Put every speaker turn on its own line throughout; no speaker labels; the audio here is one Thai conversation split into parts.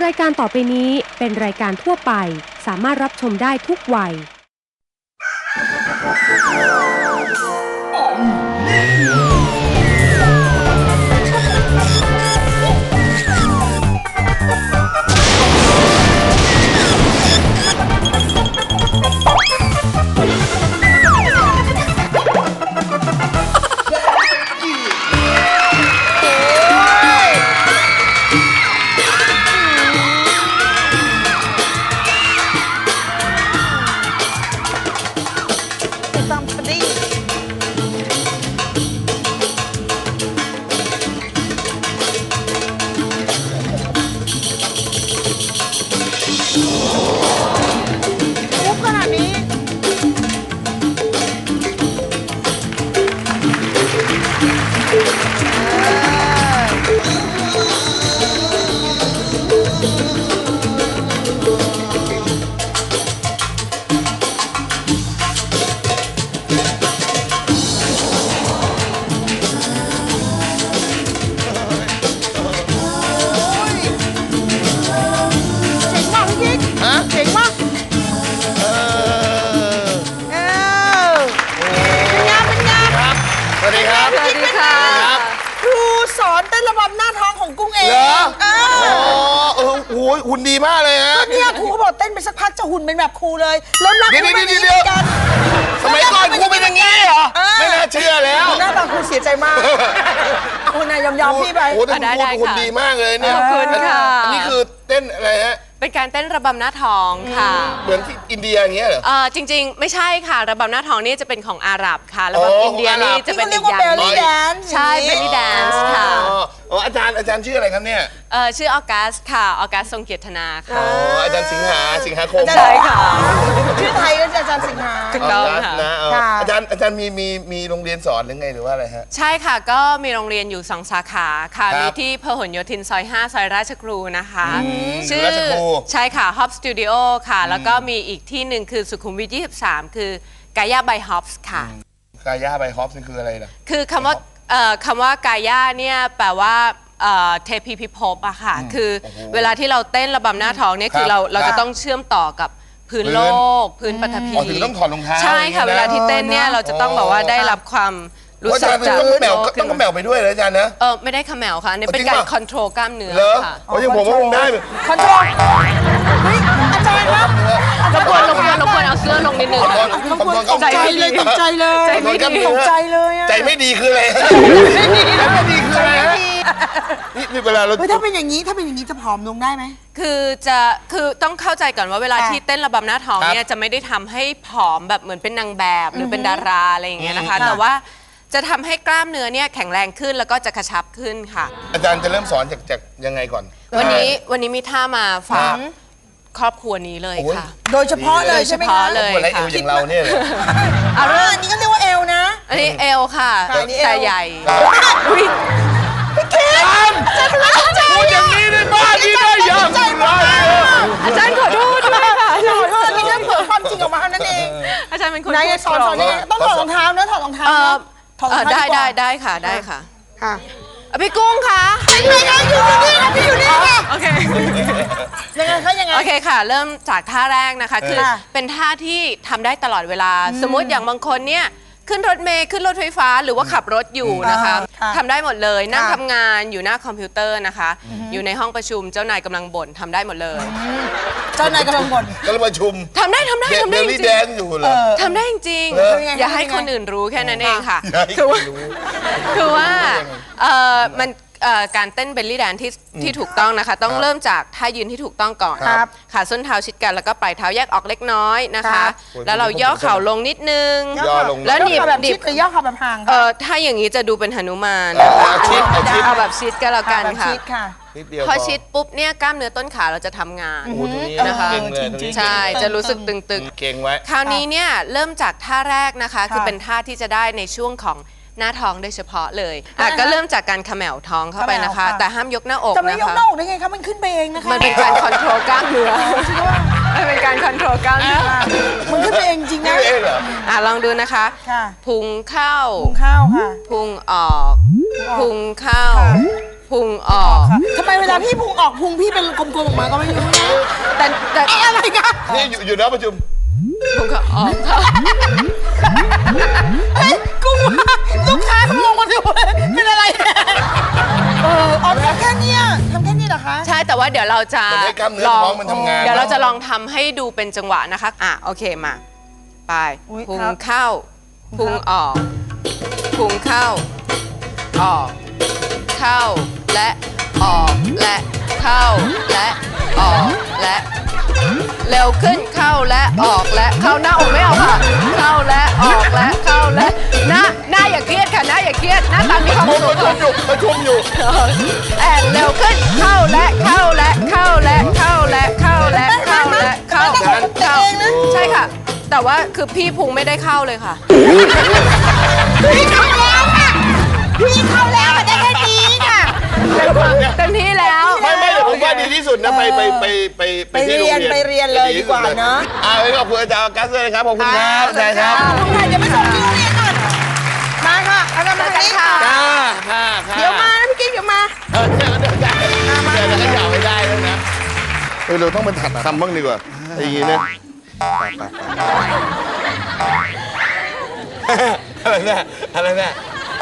ายการต่อไปนี้เป็นรายการทั่วไปสามารถรับชมได้ทุกวัย
หุ่นดีมากเลยฮะ
เนี่ยครูเขาบอกเต้นไปสักพักจะหุ่นเป็นแบบครูเลยเริ่มรักครูไม่ดีกัน
สมัยก่อนครูเป็นอย่างนี้เหรอไม่น่าเชื่อแล้ว
หน้าตาครูเสียใจมากเอานายยอมพี่ไป
โอ้โหหุ่นดีมากเลยเนี่ย
ขอบคุณค่ะ
นี่คือเต้นอะไรฮะ
เป็นการเต้นระบำหน้าท้องค่ะ
เหมือนที่อินเดียอย่างเงี้ยเหรอ
จริงๆไม่ใช่ค่ะระบำหน้าท้องนี่จะเป็นของอาหรับค่ะระบำอินเดียนี่จะเป็นอีกอย่างนึงใช่เบลลี่แดนซ์ค่ะ
อาจารย์ชื่ออะไรครับเนี่ย
ชื่อออกัสค่ะออกัสทรงเกียรตินาค่ะ
อาจารย์สิงหาคม
ใช่ค่ะ
ชื่อไทยก็อาจารย์สิงหา
ถูกต้องค่ะ
อาจารย์มีโรงเรียนสอนหรือไงหรือว่าอะไรฮะ
ใช่ค่ะก็มีโรงเรียนอยู่2 สาขาค่ะมีที่พหลโยธินซอย5ซอยราชครูนะคะ
ชื่อ
ใช่ค่ะ Hop Studio ค่ะแล้วก็มีอีกที่หนึ่งคือสุขุมวิท23คือกายา by Hops ค่ะ
กายา by Hops นี่คืออะไรนะ
คือคำว่ากายาเนี่ยแปลว่าเทพีพิภพอะค่ะคือเวลาที่เราเต้นระบำหน้าท้องเนี่ยคือเราจะต้องเชื่อมต่อกับพื้นโลกพื้นปฐพี
ถึงต้องถอดรองเท้า
ใช่ค่ะเวลาที่เต้นเนี่ยเราจะต้องแบบว่าได้รับความรู้สึก
จากต้องขมแมวไปด้วยเลยอาจารย์นะ
ไม่ได้ขมแมวค่ะนี่เป็นการคอนโทรลกล้ามเนื้อค่ะ
อย่างผมว่าคงได้
คอนโทรลเฮ้ยอาจารย์ครับ
รบกวนเอาเสื้อลงนิดนึง
ใจไม่ดีตกใจเลยใจไม่ดีตกใจเลย
ใจไม่ดีคืออะไรไม่ดีคืออะไรนี่เวลาเรา
ถ้าเป็นอย่างนี้จะผอมลงได้ไหม
คือต้องเข้าใจก่อนว่าเวลาที่เต้นระบำหน้าท้องเนี่ยจะไม่ได้ทำให้ผอมแบบเหมือนเป็นนางแบบหรือเป็นดาราอะไรอย่างเงี้ยนะคะแต่ว่าจะทำให้กล้ามเนื้อเนี่ยแข็งแรงขึ้นแล้วก็จะกระชับขึ้นค่ะ
อาจารย์จะเริ่มสอนจากยังไงก่อน
วันนี้มีท่ามาฝากครอบครัวนี้เลยค่ะ
โดยเฉพาะเลยใช่ไหมคะ
เลย
ค่ะอย่างเราเนี่ยเลย
อันนี้ก็เรียกว่าเอวนะ
อันนี้เอวค่ะแต่ใหญ่
พี่เค้ก
พูดอย่างนี้ในบ้านนี่ได้ยังไง
อาจารย์ขอโทษด้วยค่ะ
ขอโทษนี่แค่เผยความจริงออกมาเท่านั้นเอง
อาจารย์เป็นคน
สอนนี่ต้องถอดรองเท้านะถอดรองเท้า
ได้ค่ะค่ะพี่กุ้งคะ
อยู่นี่ค่ะ
โอเค
ยังไง
โอเคค่ะเริ่มจากท่าแรกนะคะคือเป็นท่าที่ทำได้ตลอดเวลาสมมติอย่างบางคนเนี่ยขึ้นรถเมล์ขึ้นรถไฟฟ้าหรือว่าขับรถอยู่นะคะทำได้หมดเลยนั่งทำงานอยู่หน้าคอมพิวเตอร์นะคะอยู่ในห้องประชุมเจ้านายกำลังบ่นทำได้หมดเลย
เจ้านายกำลังบ่น
กำลังประชุม
ทำได้จริงทำได้จริงอย่าให้คนอื่นรู้แค่นั้นเองค่ะคือว่ามันการเต้นเบลลี่แดนที่ถูกต้องนะคะต้องเริ่มจากท่ายืนที่ถูกต้องก่อนขาส้นเท้าชิดกันแล้วก็ปลายเท้าแยกออกเล็กน้อยนะคะแล้วเราย่อเข่าลงนิดนึง
แล้วหนีบแบบชิดหรือย่อเข่าแบบห่าง
ถ้าอย่างนี้จะดูเป็นหนุมานเอาแบบชิดก็แล้วกันค่ะพอชิดปุ๊บเนี่ยกล้ามเนื้อต้นขาเราจะทำงานนะคะใช่จะรู้สึกตึง
ๆเก่งไว้
คราวนี้เนี่ยเริ่มจากท่าแรกนะคะคือเป็นท่าที่จะได้ในช่วงของหน้าท้องโดยเฉพาะเลยก็เริ่มจากการเขม่าท้องเข้าไปนะคะแต่ห้ามยกหน้าอกนะคะ
จะไม่ยกหน้าอกได้ไงคะมันขึ้นไปเองนะคะ
มันเป็นการคอนโทรลกล้ามเนื้อมันเป็นการคอนโทรลกล้ามเนื้อ
มันขึ้นไปเองจริงนะ
ลองดูนะคะพุงเข้า
ค่ะ
พุงออกพุงเข้าพุงออก
ทำไมเวลาพี่พุงออกพุงพี่เป็นกลมๆออกมาก็ไม่รู้นะ
แต่
อะไรกัน
นี่อยู่นะประชุม
พุงก็ออกค่ะ
เฮ้ยกูว่าลูกค้าเขางงกันอยู่เลยเป็นอะไรเนี่ยออกทำแค่เนี้ยเหรอคะ
ใช่แต่ว่าเดี๋ยวเราจะ
มันให้กล้ามเนื้อท้องมันทำงาน
เดี๋ยวเราจะลองทำให้ดูเป็นจังหวะนะคะโอเคมาไปพุงเข้าพุงออกพุงเข้าออกเข้าและออกและเข้าและออกและเร็วขึ้นเข้าและออกและเข้าหน้าอกไม่เอาค่ะเข้าและออกและเข้าและหน้าอย่าเครียดค่ะหน้าอย่าเครียดหน้าตามีความสุข
ประชุมอยู่
แอนเร็วขึ้นเข้าและเข้าและเข้าและเข้าและเข้าและเข้าและเข้าใช่ค่ะ แต่ว่าคือพี่พุงไม่ได้เข้าเลยค่ะ
พี่เข้าแล้วค่ะพี่เข้าแล้วมันได้แค่นี้ค่ะ
เต็มที่แล้ว
ไม่เดี๋ยวผมว่าดีที่สุดนะไปที่โรงเรียน
ไปเรียนเลยดีกว่าเนาะ
ขอบคุณอาจารย์กัสเลยนะครับขอบคุณครับอาจารย์ครับ
ลุงไทยเดี๋ยวไปส่งที่โรงเรียนก่อนมาค่ะเอามาทางนี้ค่ะ
ค่ะ
เดี๋ยวมานะพี่กิ๊กเดี๋ยวมา
เดี๋ยวก็ยาวไม่ได้แล้วนะเราต้องเป็นถัดคำบ้างดีกว่าอย่างนี้นะอะไรเนี่ยอะไรเนี่ย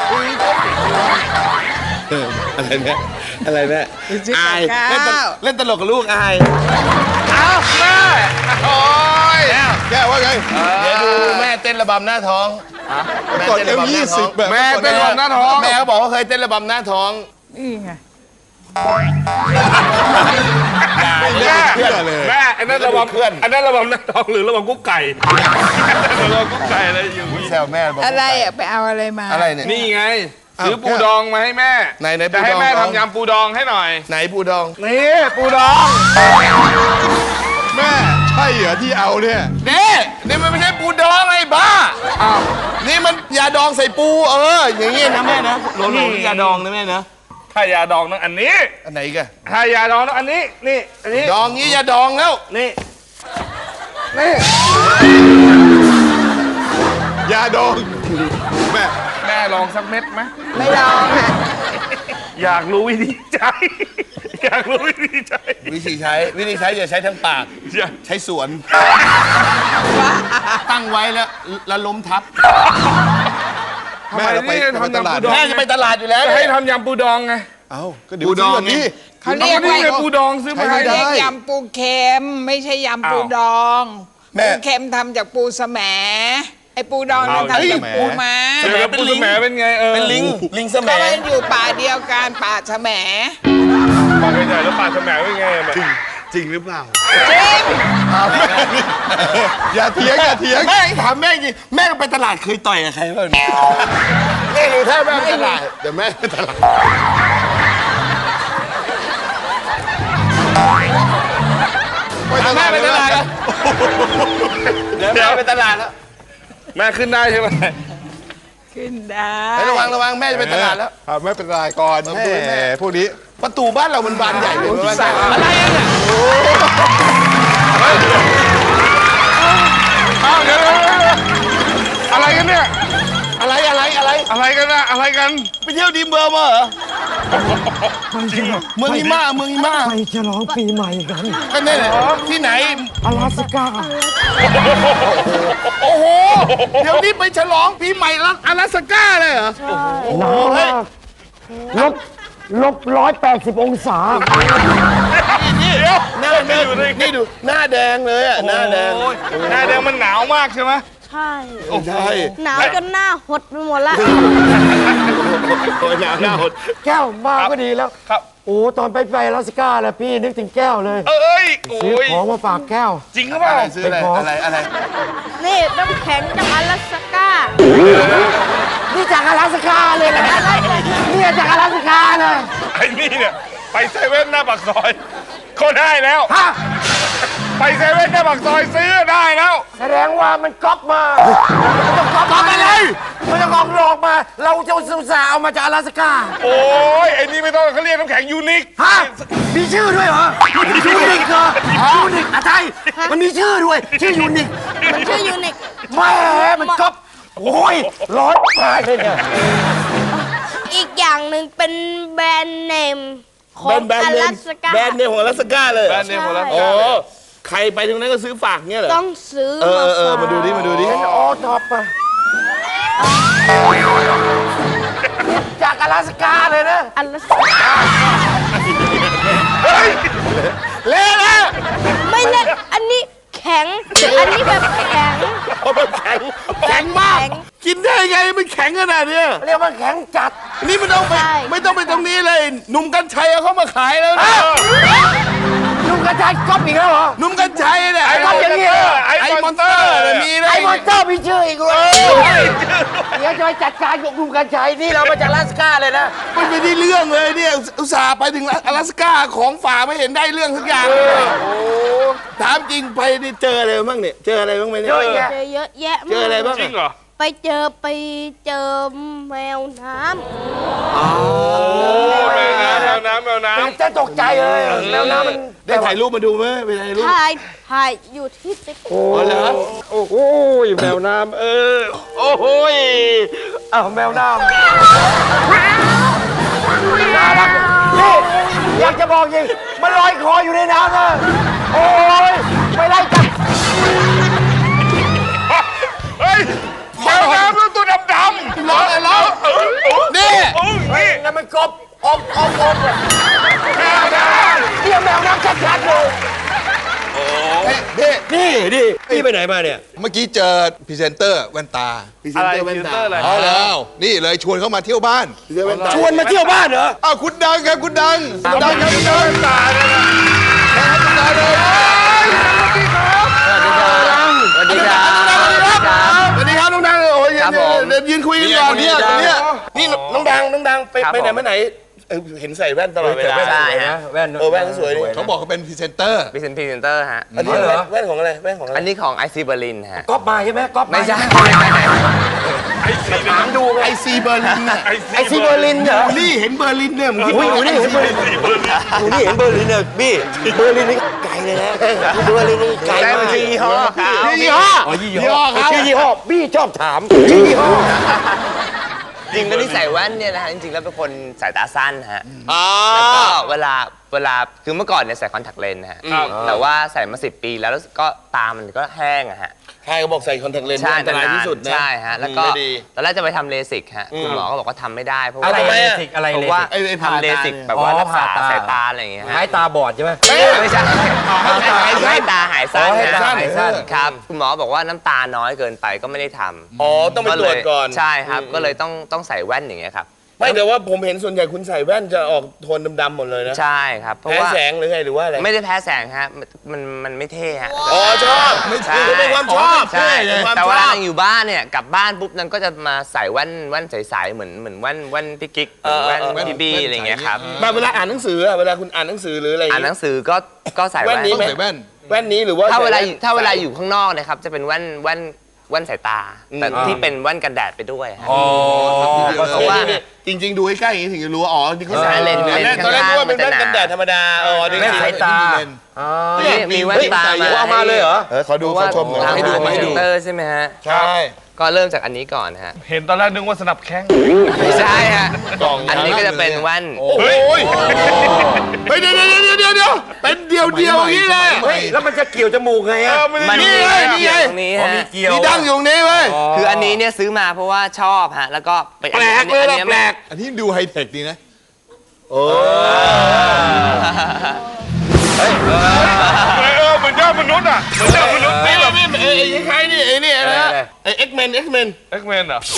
อายเล่นตลกกับลูกอายเอาแม่โอ้ยแกว่าไงเดี๋ยวดูแม่เต้นระบำหน้าท้องแม่เต้นระบำหน้าท้องแม่เต้นระบำหน้าท้องแม่เขาบอกว่าเคยเต้นระบำหน้าท้อง
นี่ไง
แม่อันนั้นระบำเพื่อนอันนั้นระบำหน้าท้องหรือระบำกุ๊กไก่ระบำกุ๊กไก่อะไรอยู่
แซวแม่
อะไรอ่ะไปเอาอะไรมา
อะไรเนี่ย
นี่ไงซื้อปูดองมาให้แม่จะให้แม่ทำยำปูดองให้หน่อย
ไหนปูดอง
นี่ปูดอง
แม่ใช่เหรอที่เอาเนี่ยนี่มันไม่ใช่ปูดองไอ้บ้านี่มันยาดองใส่ปูอย่างงี้นะแม่นะหลงยาดองนะแม่นะ
ถ้ายาดองต้องอันนี้
อันไหนกัน
ถ้ายาดองต้องอันนี้นี่อันนี้
ดองงี้ยาดองแล้ว
นี่
ยาดอง
แม่ลองสักเม็ดไหม
ไม่ลองค่ะ
อยากรู้วิธีใช้อยากรู้วิธีใช้
อย่าใช้ทั้งปากใช้สวนตั้งไว้แล้วล้มทับ
แม่จะไปตลาด
แม่จะไปตลาดอยู่แล้ว
จะให้ทำยำปูดองไง
ก็ปูดองนี่
เขาเรียกว่า
ปูดองซื้อมาให้
ได้ยำปูเค็มไม่ใช่ยำปูดองปูเค็มทำจากปูแสมไอปูดองทำจากปูม้า
ปูแสมเป็นไง
เป็นลิงแสม
ก็มันอยู่ป่าเดียวกันป่าแสม
ป่าใหญ่แล้วป่าแสมเป็นไง
จริงหรือเปล่า
จริง
อย่าเถียงแม่ถามแม่จริงแม่ไปตลาดเคยต่อยกับใครบ้างแม่รู้แท้แม่ไปตลาดเดี๋ยวแม่ไปตลาดแม่ไปตลาดแล้วเดี๋ยวแม่ไปตลาดแล้ว
แม่ขึ้นได้ใช่ไหม
ขึ้นได้
ระวังแม่จะไปตลาดแล้ว
แม่เป็นไรก่อนแม่พวกนี้
ประตูบ้านเรามันบานใหญ่เลย
อะไรเนี่ยเดี๋ยวอะไรกันเนี่ย
อะไรกันนะ
อะไรกัน
ไปเที่ยวดีเบอร์มาเหรอเมืองหิมะ
ไปฉลองปีใหม่กัน
ก็นี่แหละที่ไหน
阿拉斯ก้า
โอ้โหเดี๋ยวนี้ไปฉลองปีใหม่แล้ว阿拉斯ก้าเลยเหรอ
หนาวมากลบ180 องศา
นี่ดูหน้าแดงเลยอ่ะหน้าแดง
มันหนาวมากใช่ไหม
ใช่หนาวจนหน้าหดไปหมดละ
หน้าหด
แก้วมาก็ดีแล้วครับโอ้ตอนไปอลาสก้าแล้วพี่นึกถึงแก้วเลยซื้อของมาฝากแก้ว
จริงหรือเปล่า
ซื้ออะไร
นี่น้ำแข็งจากอลาสก้า
นี่จากอลาสก้าเลยนะนี่จากอลาสก้าเลย
ไอ้นี่เนี่ยไปเซเว่นหน้าปากซอยก็ได้แล้วไปเซเว่นหน้าปากซอยซื้อได้แล้ว
แสดงว่ามันก๊อปมา
ก๊อปอะไร
มันจะหลอกมาเราจะอุตส่าห์เอามาจากอลาสก้า
โอ้ยไอ้นี่ไม่ต้องเขาเรียกน้ำแข็งยูนิค
มีชื่อด้วยเหรอยูนิคเหรอยูนิคอะไรมันมีชื่อด้วยชื่อยูนิค
มันชื่อยูนิค
แม่มันก๊อปโอ้ยร้อนตายเลยเนี่ย
อีกอย่างหนึ่งเป็นแบรนด์เนมของ
แบรน
อ
ด์เน
ลาม สก้า
แบรนด์เนมของอลาสก้าเลย
แบรนด์เนมของเรา
โอ้ใครไปตรงนั้นก็ซื้อฝากเงี้ยเหรอ
ต้องซื้อ
มาดูดิมาดูดิ
โอ้ท็อปอะจากอลาสก้าเลยนะ
อลาสก้า
เละนะ
ไม่เล่นอันนี้แข็ง อันนี้แบบแข็ง
โอ้มันแข็งแข็งมาก กินได้ไงมันแข็งขนาดเนี้ย
เรียกว่าแข็งจัด
นี่มันต้องไปไม่ต้องไปตรงนี้เลยหนุ่มกัญชัยเอาเข้ามาขายแล้วนะ
ลุงกระจายก๊อปอีกแล้วเหรอ
หนุ่มกัญชัยเนี่ย
ไอ้ก๊อปอย่างนี้เหรอ
ไอ้มอนสเตอร์เนี่ยมีนะ
ไอ้มอนสเตอร์มีชื่ออีกเลยเดี๋ยวจะไปจัดการกับลุงกระจายนี่เรามาจากอลาสก้าเลยนะ
มันไม่ได้เรื่องเลยเนี่ยอุตส่าห์ไปถึงอลาสก้าของฝากไม่เห็นได้เรื่องสักอย่างเลยโอ้ถามจริงไปนี่เจออะไรบ้างเนี่ยเจออะไรบ้างไหมเนี่ย
เยอะแยะ
เจอเยอะแยะ
เจออะไรบ้าง
จริงเหรอ
ไปเจอแมวน้
แมวน้ำ
จะตกใจเลยแล้วน้ำมัน
ได้ถ่ายรูปมาดูไหมไปถ่ายรู
ำ
ป
ถ่ายอยู่ที่ติ๊ก
โอ้เหรอโอ้โหแมวน้ำโอ้โหอ้าวแมวน้ำน่ารักนี่อยากจะบอกจริงมันลอยคออยู่ในน้ำนะโอ้ยไปไล่จับ
เฮ้ยแมวน้ำตัวดำ
ร้องอะไรร้องนี่
นี่
นั่นมันกบอมเลยแมวน้ำเรียกแมวน้ำชัดๆเลย นี่ไปไหนมาเนี่ย
เมื่อกี้เจอพรีเซนเตอร์แว่นตา
อะไรฟิลเตอร์อะไร
อ๋อแล้วนี่เลยชวนเขามาเที่ยวบ้าน
ชวนมาเที่ยวบ้านเหรอ
อ้าวคุณดังครับคุณดังดังครับคุณดัง
ตาเนี่ยนะ
คุณดังเลย
สวัสดีครับน้องดังโอ้ยเดี๋ยวยืนคุยกันก่อนเนี่ยนี่น้องดังไปไหนมาไหนเห็นใส่แว่นตลอดเวลา
ใช่ฮะ
แว่น
แว่นสวยดิ
เขาบอกเขาเป็นพรีเซนเตอร์
พรีเซนเตอร์ฮะ
อันนี้แว่นของอะไรแว่นของอะไร
อันนี้ของไอซีเบอร์ลินฮะ
ก๊อปมาใช่ไหมก๊อป
ไม่ใช่
ถามดูไง
ไอซีเบอร์ลินน่ะ
ไอซีเบอร์ลินเหรอ
นี่เห็นเบอร์ลินเนี่ยมึงคิด
อุ้ยนี่เห็นเบอร์ลินนี่เห็นเบอร์ลินเนี่ยบี้เบอร์ลินนี่ไกลเลยนะเบอร์ลินนี่ไกลมาก
ยี่ห้อยี่ห้อครับ
ชื่อยี่ห้อบี้ชอบถามชื่อยี่ห้อ
จริงแล้วที่ใส่แว่นเนี่ยนะฮะจริงๆแล้วเป็นคนสายตาสั้นฮะแล้วก็เวลาคือเมื่อก่อนเนี่ยใส่คอนแทคเลนส์นะฮะแต่ว่าใส่มา10 ปีแล้วก็ตามันก็แห้งอะฮะ
ใครก็บอกใส่คอนแทคเลนส์อันตรายที่สุดนะ
ใช่ฮะแล้วก็
ไม่ดี
ตอนแรกจะไปทำเลสิกฮะคุณหมอก็บอกว่าทำไม่ได้เพราะว่า
อะไรเลสิกอะไร
เพ
เล
ราะว่า
สิก
ทำเลสิกแบบว่ารักษาสายตาอะไรอย่างเงี้ยฮะ
หายตาบอดใช่ไหม
ไม่ใช่ให้ตาหายสั้น
ให้ตาหายสั้น
ครับคุณหมอบอกว่าน้ำตาน้อยเกินไปก็ไม่ได้ทำ
อ๋อต้องไปตรวจก่อน
ใช่ครับก็เลยต้องใส่แว่นอย่างเงี้ยครับ
ไม่แต่ว่าผมเห็นส่วนใหญ่คุณใส่แว่นจะออกโทนดำๆหมดเลยนะ
ใช่ครับเพราะ
แพ้
ว่า
แสงหรือไงหรือว่าอะไร
ไม่ได้แพ้แสงฮะมันไม่เท่ฮะ
อ๋อชอบไม่
ใช่
เป็นความชอบ
ใช่
เป็นความ
แต่
ช
เว
อ
ลา
บ
นั่งอยู่บ้านเนี่ยกลับบ้านปุ๊บนั่นก็จะมาใส่แว่นใสๆเหมือนแว่นพี่กิ๊กแว่นพี่บี้อะไรอย่างเงี้ยครับ
แบบเวลาอ่านหนังสืออะเวลาคุณอ่านหนังสือหรืออะไร
อ่านหนังสือก็ใส่
แว่
แว่
น
น
นี้
ต้องใส่แว่น
แว่นนี้หรือว่า
ถ้าเวลา
ใส่แน
ถ้าเวลาอยู่ข้างนอกนะครับจะเป็นแว่นสายตา แต่ที่เป็นแว่นกันแดดไปด้วยฮะ
เพราะว่าจริงๆดูใกล้ๆอย่างนี้ถึงจะรู้ว่าอ๋อที่เขาใส่
เลนส์
ตอนแรกนึกว่าเป็นแว่นกันแดดธรรมดาอ๋อนี่
แว่นสายตา
นี่มีแว่นตา
เอามาเลยเหรอ
ขอดูขอชมหน่อย
ให้ดูพรีเซนเตอร์ใช่ไหมฮะ
ใช่
ก็เริ่มจากอันนี้ก่อนฮะ
เห็นตอนแรกนึกว่าสนับแข้ง
ไม่ใช่ฮะ
กล่อง
อันนี้ก็จะเป็นแว่น
โอ้ยเฮ้ยเดี๋ยวเป็นเดียวอย่างนี้เลย
เฮ้ยแล้วมันจะเกี่ยวจมูกไงอะ
มัน
นี่ไง
เกี่ยวตรงนี้ฮะ
เกี่ยว
นี่ดังอยู่ตรงนี้เว้ย
คืออันนี้เนี่ยซื้อมาเพราะว่าชอบฮะแล้วก็ไป
แปลกเลยนะแปลก
อันนี้ดูไฮเทคดีนะ
เหมือนยอดมนุษย์อ่ะเหมือนยอดมนุษย์
นี่
นี่
แบ
แบบ บ
ไอ้ใครนี่ไอ้นี่นะไอ้ X-Men
เอ็กแมนเหรอ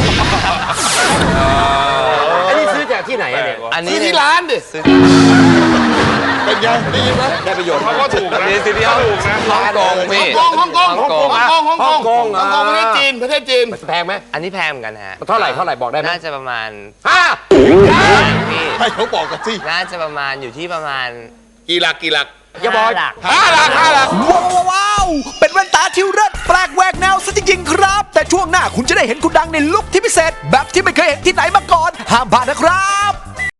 อันนี้ซื้อจากที่ไหนอะเนี่ย
อันนี้
ซื้อที่ร้านดิ
ซื้อ
เป็นไงได้ยินไหม
ได้ประโยชน์
เขาก็ถูกนะ
ซื้อที่ฮ่องกงพี่
ฮ่องกงประเทศจีน
แพงไหม
อันนี้แพงเหมือนกันฮะ
เท่าไหร่บอกได้ไหม
น่าจะประมาณ พี่
ให้เขาบอกกันสิ
น่าจะประมาณอยู่ที่ประมาณ
กี่หลัก
อย่าบอก
หลัก
5 หลัก
ว้าว เป็นแว่นตาที่เลิศแปลกแหวกแนวซะจริงๆครับ แต่ช่วงหน้าคุณจะได้เห็นคุณดังในลุคที่พิเศษ แบบที่ไม่เคยเห็นที่ไหนมาก่อน ห้ามพลาดนะครับ